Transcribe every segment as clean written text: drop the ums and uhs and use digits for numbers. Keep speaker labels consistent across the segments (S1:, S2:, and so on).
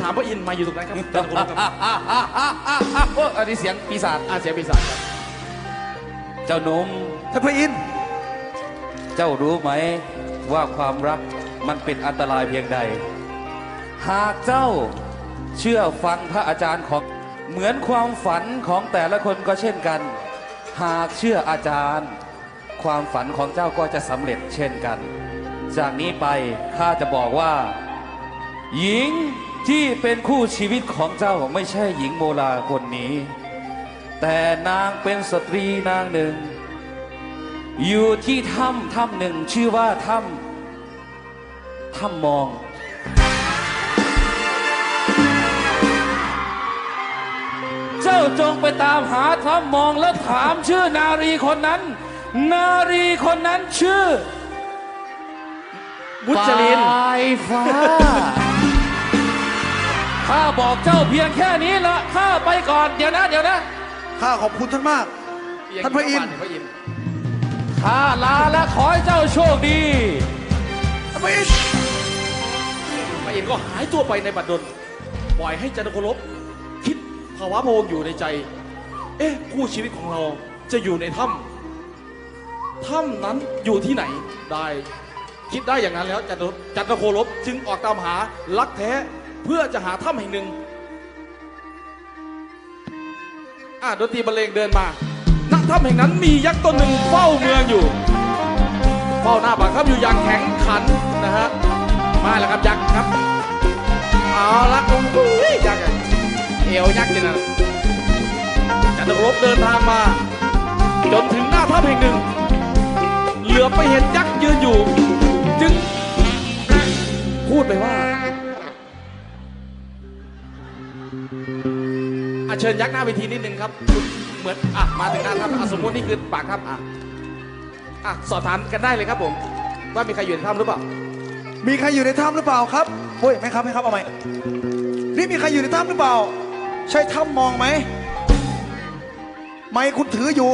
S1: ามพระอินทร์มาอยู่ตรงนั้นครับจันทโคลบครับ
S2: อันนี้เสียงปีศาจ
S1: เสียงปีศาจครับ
S2: เจ้าหนุ่ม
S3: ท่านพระอินทร์
S2: เจ้ารู้ไหมว่าความรักมันเป็นอันตรายเพียงใด หากเจ้าเชื่อฟังพระอาจารย์ของเหมือนความฝันของแต่ละคนก็เช่นกัน หากเชื่ออาจารย์ ความฝันของเจ้าก็จะสำเร็จเช่นกัน จากนี้ไปข้าจะบอกว่า หญิงที่เป็นคู่ชีวิตของเจ้าไม่ใช่หญิงโมลาคนนี้ แต่นางเป็นสตรีนางหนึ่ง อยู่ที่ถ้ำหนึ่งชื่อว่าถ้ำมอง เจ้าจงไปตามหาถ้ำมองแล้วถามชื่อนารีคนนั้น นารีคนนั้นชื่อ
S1: มุจลิน
S2: ปลายฟ้า ข้าบอกเจ้าเพียงแค่นี้ละข้าไปก่อนเดี๋ยวนะ
S3: ข้าขอบคุณท่านมาก ท่านพระอินทร์
S2: ข้าลาและขอให้เจ้าโชคดี
S3: ท่านพระอินทร์
S1: พระอินทร์ก็หายตัวไปในบัดดลปล่อยให้จันทโคลบคิดภาวะพะวงอยู่ในใจ คู่ชีวิตของเราจะอยู่ในถ้ำนั้นอยู่ที่ไหนได้คิดได้อย่างนั้นแล้วจันทโคลบจึงออกตามหาลักแท้เพื่อจะหาถ้ำแห่งหนึ่งดนตรีบรรเลงเดินมาณถ้ำแห่งนั้นมียักษ์ตนหนึ่งเฝ้าเมืองอยู่เฝ้าหน้าปากถ้ำอยู่อย่างแข็งขันนะฮะมาแล้วครับยักษ์ครับเอาละโอ้ยยักษ์เอวยักษ์เลยนะจันทโคลบเดินทางมาจนถึงหน้าถ้ำแห่งหนึ่งเหลือไปเห็นยักษ์ยืนอยู่จึงพูดไปว่าเชิญยักษ์หน้าเวทีนิดนึงครับเหมือนมาถึงหน้าถ้ำสมมตินี่คือปากถ้ำสอบถามกันได้เลยครับผมว่ามีใครอยู่ในถ้ำหรือเปล่า
S3: มีใครอยู่ในถ้ำหรือเปล่าครับโอ้ยไม่ครับเอาไหมนี่มีใครอยู่ในถ้ำหรือเปล่า ใช่ถ้ำมองไหมไม่คุณถืออยู่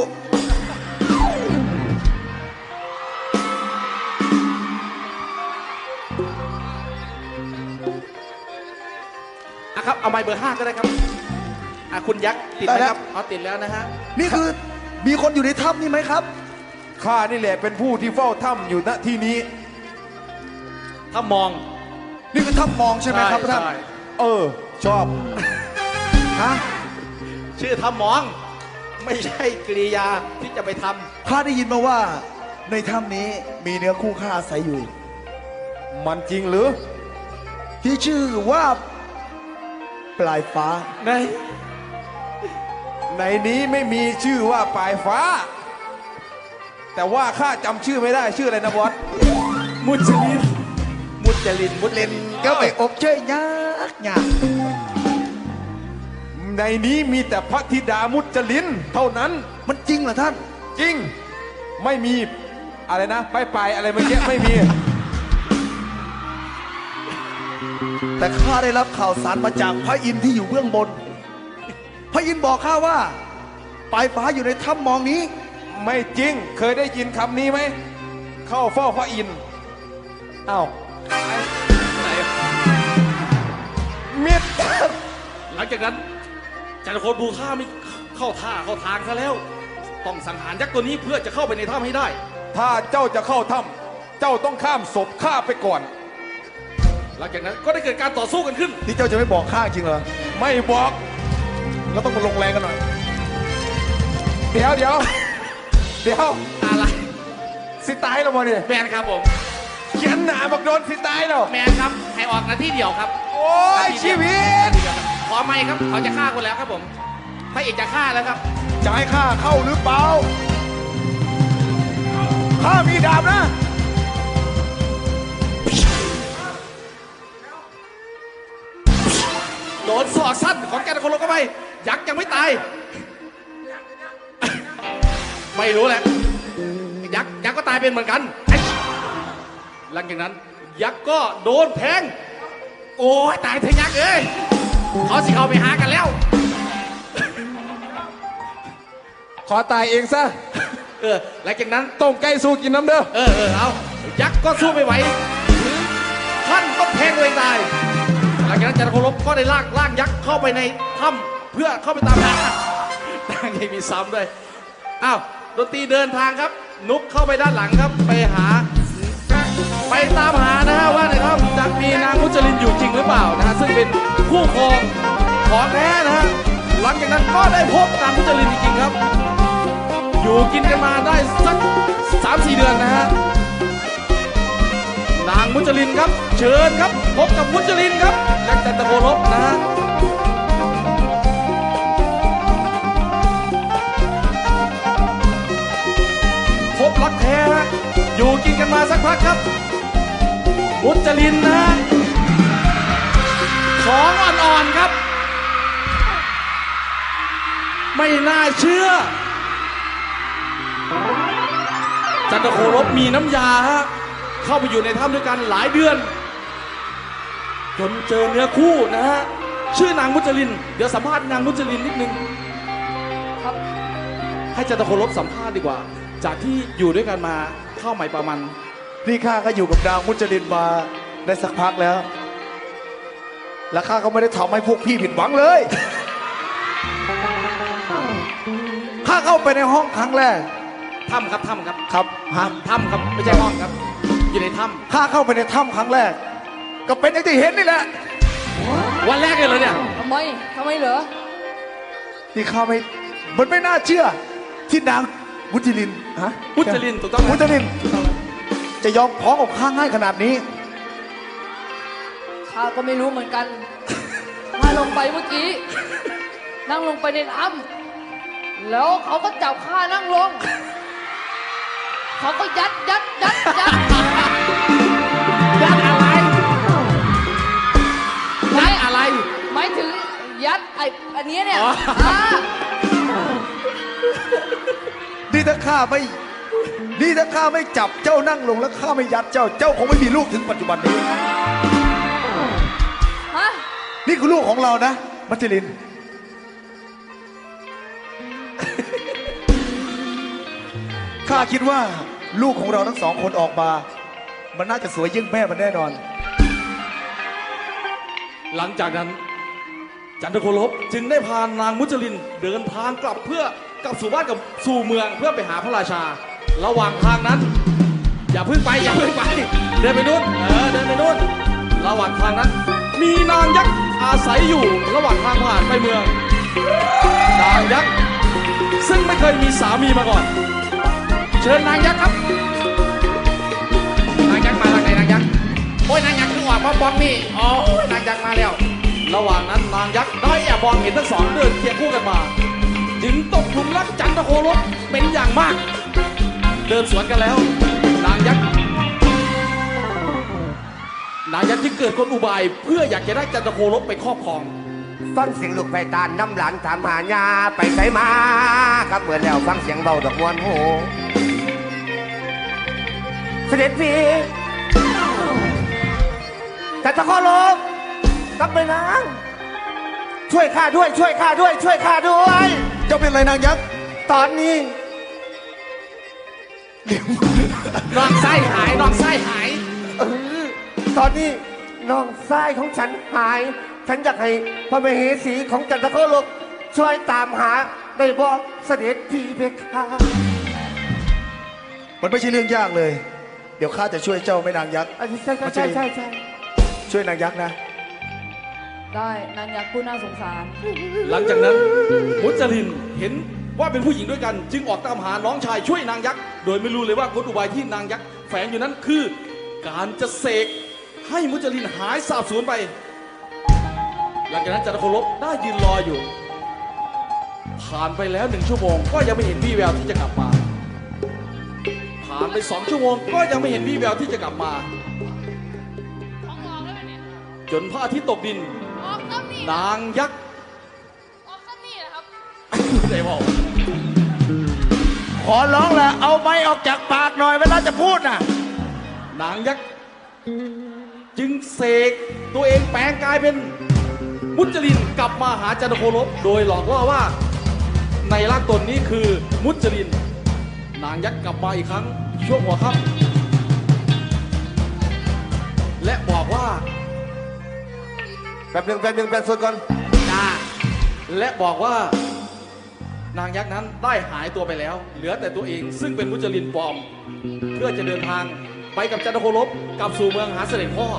S1: ครับเอาไม้เบอร์ 5ก็ได้ครับคุณยักษ์ติดไหมครับติดแล้วนะฮะ
S3: นี่คือมีคนอยู่ในถ้ำนี่ไหมครับ
S4: ข้านี่แหละเป็นผู้ที่เฝ้าถ้ำอยู่ณที่นี้
S1: ถ้ามอง
S3: นี่คือถ้ำมองใช่ไหมครับท่าน
S4: ชอบ
S3: ฮะ
S1: ชื่อถ้ามองไม่ใช่กริยาที่จะไปทำ
S3: ข้าได้ยินมาว่าในถ้ำนี้มีเนื้อคู่ข้าอาศัยอยู่
S4: มันจริงหรือ
S3: ที่ชื่อว่าปลายฟ้า
S4: ในนี้ไม่มีชื่อว่าปลายฟ้า แต่ว่าข้าจำชื่อไม่ได้ชื่ออะไรนะบอส
S1: มุจลิน
S3: ก็ไปอบเชยยาก
S4: ในนี้มีแต่พระธิดามุจลินเท่านั้น
S3: มันจริงเหรอท่าน
S4: จริงไม่มีอะไรนะไปอะไรเมื่อกี้ไม่มี
S3: แต่ข้าได้รับข่าวสารมาจากพระอินทร์ที่อยู่เบื้องบน พระอินทร์บอกข้าว่าปลายฟ้าอยู่ในถ้ำมองนี้
S4: ไม่จริงเคยได้ยินคำนี้ไหมเข้าเฝ้าพระอินทร์อ้าวมิด
S1: หลังจากนั้นจันทโคลบูข้าไม่เข้าทางซะแล้วต้องสังหารยักษ์ตัวนี้เพื่อจะเข้าไปในถ้ำให้ได้
S4: ถ้าเจ้าจะเข้าถ้ำเจ้าต้องข้ามศพข้าไปก่อน
S1: หลังจากนั้นก็ได้เกิดการต่อสู้กันขึ้น
S3: ที่เจ้าจะไม่บอกข้าจริงเหรอ
S4: ไม่บอกเราต้องมาลงแรงกันหน่อยเดี๋ยว
S1: อะไร
S4: สิตายแล้วมาเนี่ย
S1: แมนครับผม
S4: เขียนหนาบักโดนสิตายแล้ว
S1: แมนครับให้ออกนาทีเดียวครับ
S4: โอ้ยชีวิต
S1: ขอไม่ครับเขาจะฆ่าคนแล้วครับผมพระเอกจะฆ่าแล้วครับ
S4: จะให้ข้าเข้าหรือเปล่าข้ามีดาบนะ
S1: โดนศอกสั้นของแกนคนลงเข้าไปยักษ์ยังไม่ตายไม่รู้แหละยักษ์ก็ตายเป็นเหมือนกันหลังจากนั้นยักษ์ก็โดนแทงโอ้ยตายเถอะยักษ์เอ้ยเขาสิเขาไปหากันแล้ว
S4: ขอตายเองซะ
S1: หลังจากนั้น
S4: ต้มไก่สู้กินน้ำเด้อ
S1: เอายักษ์ก็สู้ไม่ไหวท่านต้องแทงตัวเองตายหลัลังจากนั้นจันทโคลบก็ได้ลากยักษ์เข้าไปในถ้ำเพื่อเข้าไปตามหานางยังมีซ้ำด้วยอ้าวดนตรีเดินทางครับ นุกเข้าไปด้านหลังครับไปตามหานะฮะว่าในถ้ำจะมีนางมุจลินอยู่จริงหรือเปล่านะฮะซึ่งเป็นคู่ครองของแท้นะฮะหลังจากนั้นก็ได้พบนางมุจลินจริงๆครับ อยู่กินกันมาได้สัก 3-4 เดือนนะฮะนางมุจลินครับเชิญครับพบกับมุจลินครับจากจันทโคลบนะฮะพบรักแท้ฮะอยู่กินกันมาสักพักครับมุจลินนะฮะของอ่อนๆครับไม่น่าเชื่อจันทโคลบมีน้ำยาฮะเข้าไปอยู่ในถ้ำด้วยกันหลายเดือนจนเจอเนื้อคู่นะฮะชื่อนางมุจลินเดี๋ยวสัมภาษณ์นางมุจลินนิดนึงครับให้จันทโคลบสัมภาษณ์ดีกว่าจากที่อยู่ด้วยกันมาเข้าใหม่ประมาณ
S3: นี่ข้าก็อยู่กับนางมุจลินมาได้สักพักแล้ว และข้าก็ไม่ได้ทำให้พวกพี่ผิดหวังเลย ข้าเข้าไปในห้องครั้งแรก
S1: ถ้ำครับถ้ำครับ
S3: ครับฮะ
S1: ถ้ำครับไม่ใช่ห้องครับอยู่ในถ้
S3: ข้าเข้าไปในถ้ำครั้งแรก ก็เป็นอย่างที่เห็นนี่แหละ
S1: ำวันแรกเลยเนี่ย
S5: ทำไมเหรอ
S3: นี่ข้าไม่มันไม่น่าเชื่อ ที่นางมุจลินฮะ
S1: มุจลินถูกต้องไหม
S3: มุจลินจะยอมพ้องกับข้าง่ายขนาดนี้
S5: ข้าก็ไม่รู้เหมือนกัน ข้าลงไปเมื่อกี้ นั่งลงไปในน้ำแล้วเขาก็จับข้านั่งลง เขาก็ยัด
S1: ยัดอะไรยัดอะไร
S5: หมายถึงยัดอันเนี้ยเนี่ย
S1: อ๋อ
S5: อ่า
S3: นี่ถ้าข้าไม่จับเจ้านั่งลงแล้วข้าไม่ยัดเจ้าคงไม่มีลูกถึงปัจจุบันนี้
S5: ฮะ
S3: นี่คือลูกของเรานะมัจจลิน ข้าคิดว่าลูกของเราทั้งสองคนออกมา มันน่าจะสวยยิ่งแม่มันแน่นอน
S1: หลังจากนั้นจันทโคลบจึงได้พานางมุจลินเดินทางกลับเพื่อกลับสู่บ้านกับสู่เมืองเพื่อไปหาพระราชา ระหว่างทางนั้น อย่าเพิ่งไปเดินไปนู่นเดินไปนู่นระหว่างทางนั้น มีนางยักษ์อาศัยอยู่ระหว่างทางผ่านไปเมืองนางยักษ์ซึ่งไม่เคยมีสามีมาก่อน เชิญนางยักษ์ครับนางยักษ์มาแล้วไงนางยักษ์โอ้ยนางยักษ์คือออกมาบอมนี่อ๋อนางยักษ์มาแล้วระหว่างนั้นนางยักษ์ได้แอบมองเห็นทั้งสองเดินเคียงคู่กันมาจึงตกหลุมรักจันทโคลบเป็นอย่างมาก เดินสวนกันแล้วนางยักษ์ที่เกิดคนอุบายเพื่ออยากจะได้จันทโคลบไปครอบครอง
S6: ฟังเสียงลูกไปตานน้ำหลานถามหาญาไปใส่มาครับเมื่อแล้วฟังเสียงเบาดอกมวนโหเสด็จพี่แต่ตะขอลบกลับไปนางช่วยข้าด้วย ช่วยข้าด้วย
S3: เจ้าเป็นอะไรนางยักษ์
S6: ตอนนี้
S1: น้องไส้หาย
S6: เออตอนนี้น้องชายของฉันหาย ฉันอยากให้พระมเหสีของจันทโคลบช่วยตามหาได้บ่เสด็จพี่เพคะ
S3: มันไม่ใช่เรื่องยากเลย เดี๋ยวข้าจะช่วยเจ้าแม่นางยักษ์
S6: ใช่
S3: ช่วยนางยักษ์นะ
S5: ได้นางยักษ์ผู้น่าสงสาร
S1: หลังจากนั้นมุจลินเห็นว่าเป็นผู้หญิงด้วยกัน จึงออกตามหาน้องชายช่วยนางยักษ์โดยไม่รู้เลยว่ากลอุบายที่นางยักษ์แฝงอยู่นั้นคือ การจะเสกให้มุจลินหายสาบสูญไป หลังจากนั้นจันทโคลบได้ยืนรออยู่ ผ่านไปแล้ว1 ชั่วโมงก็ยังไม่เห็นวี่แววที่จะกลับมา ผ่านไป2 ชั่วโมงก็ยังไม่เห็นวี่แววที่จะกลับมา จนพระอาทิตย์ตกดิน นางยักษ์ได้บอก
S3: ขอร้องแหละเอาไม้ออกจากปากหน่อยเวลาจะพูดน่ะ
S1: นางยักษ์จึงเสกตัวเองแปลงกายเป็นมุจลินกลับมาหาจันทโคลบโดยหลอกล่อว่าในร่างตนนี้คือมุจลิน นางยักษ์กลับมาอีกครั้งช่วงหัวค่ำและบอกว่า
S6: แป๊บหนึ่งแป๊บสุดก่อน
S1: จ้าและบอกว่านางยักษ์นั้นได้หายตัวไปแล้ว เหลือแต่ตัวเองซึ่งเป็นมุจลินปลอม เพื่อจะเดินทางไปกับจันทโคลบกลับสู่เมืองหาเสด็จพ่อ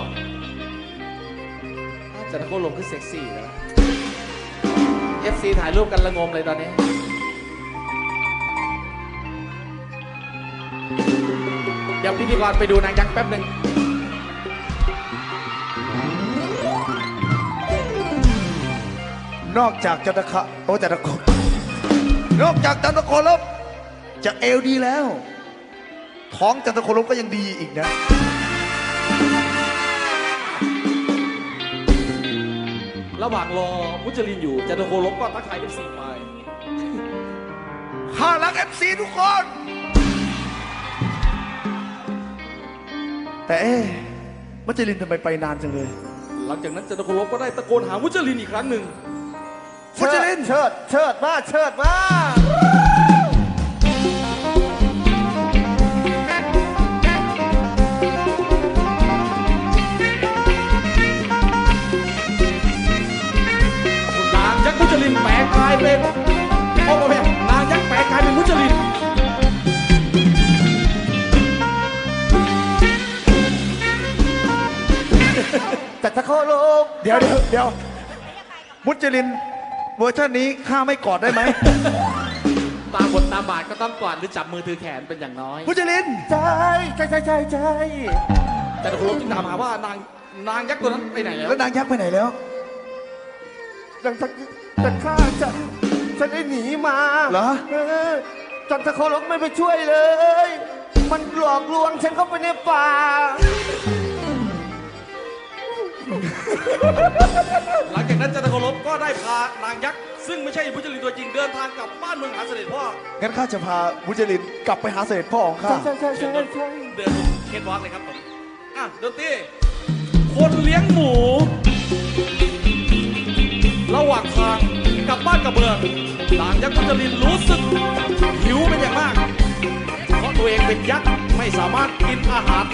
S1: จันทโคลบคือเซ็กซี่นะ FC ถ่ายรูปกันละงมเลยตอนนี้ เดี๋ยวพิธีกรไปดูนางยักษ์แป๊บหนึ่ง
S3: นอกจากจันทคะโอ้จันทโคนนอกจากจันทโคลบจะเอวดีแล้ว ท้องจันทโคลบก็ยังดีอีกนะ
S1: ระหว่างรอมุจลินอยู่จันทโคลบก็ทักทาย FC ไป
S3: ข้ารัก FC ทุกคน แต่มัจจรินทำไมไปนานจังเลย
S1: หลังจากนั้นจันทโคลบก็ได้ตะโกนหามุจลินอีกครั้งหนึ่ง
S3: มุจลิน
S6: เชิดมา
S1: นางยักษ์มุจลินแปลกายเป็นโอ้โหนางยักษ์แปลกายเป็นมุจลิน
S6: จันทโคลก
S3: เดี๋ยวมุจลินเวอร์ชันนี้ข้าไม่กอดได้ไหม
S1: ตามบทตามบาทก็ต้องกอดหรือจับมือถือแขนเป็นอย่างน้อย
S3: มุจลิน
S6: ใช่
S1: จันทโคลบจึงถามหาว่านางยักษ์ตัวนั้นไปไหนแล้ว
S3: แล้วนางยักษ์ไปไหนแล้ว
S6: แต่ข้าฉันได้หนีมา
S3: เหรอ
S6: จันทโคลกไม่ไปช่วยเลย มันหลอกลวงฉันเข้าไปในป่า
S1: หลังจากนั้นจันทโคลบก็ได้พานางยักษ์ซึ่งไม่ใช่มุจลินตัวจริงเดินทางกลับบ้านเมืองหาเสด็จพ่อ
S3: งั้นข้าจะพามุจลินกลับไปหาเสด็จพ่อของข้า
S6: ใช่
S1: เดินเคทวอล์กเลยครับผมอ่ะดนตรีคนเลี้ยงหมู ระหว่างทางกลับบ้านกับเมืองนางยักษ์มุจลินรู้สึกหิวเป็นอย่างมาก เพราะตัวเองเป็นยักษ์ไม่สามารถกินอาหาร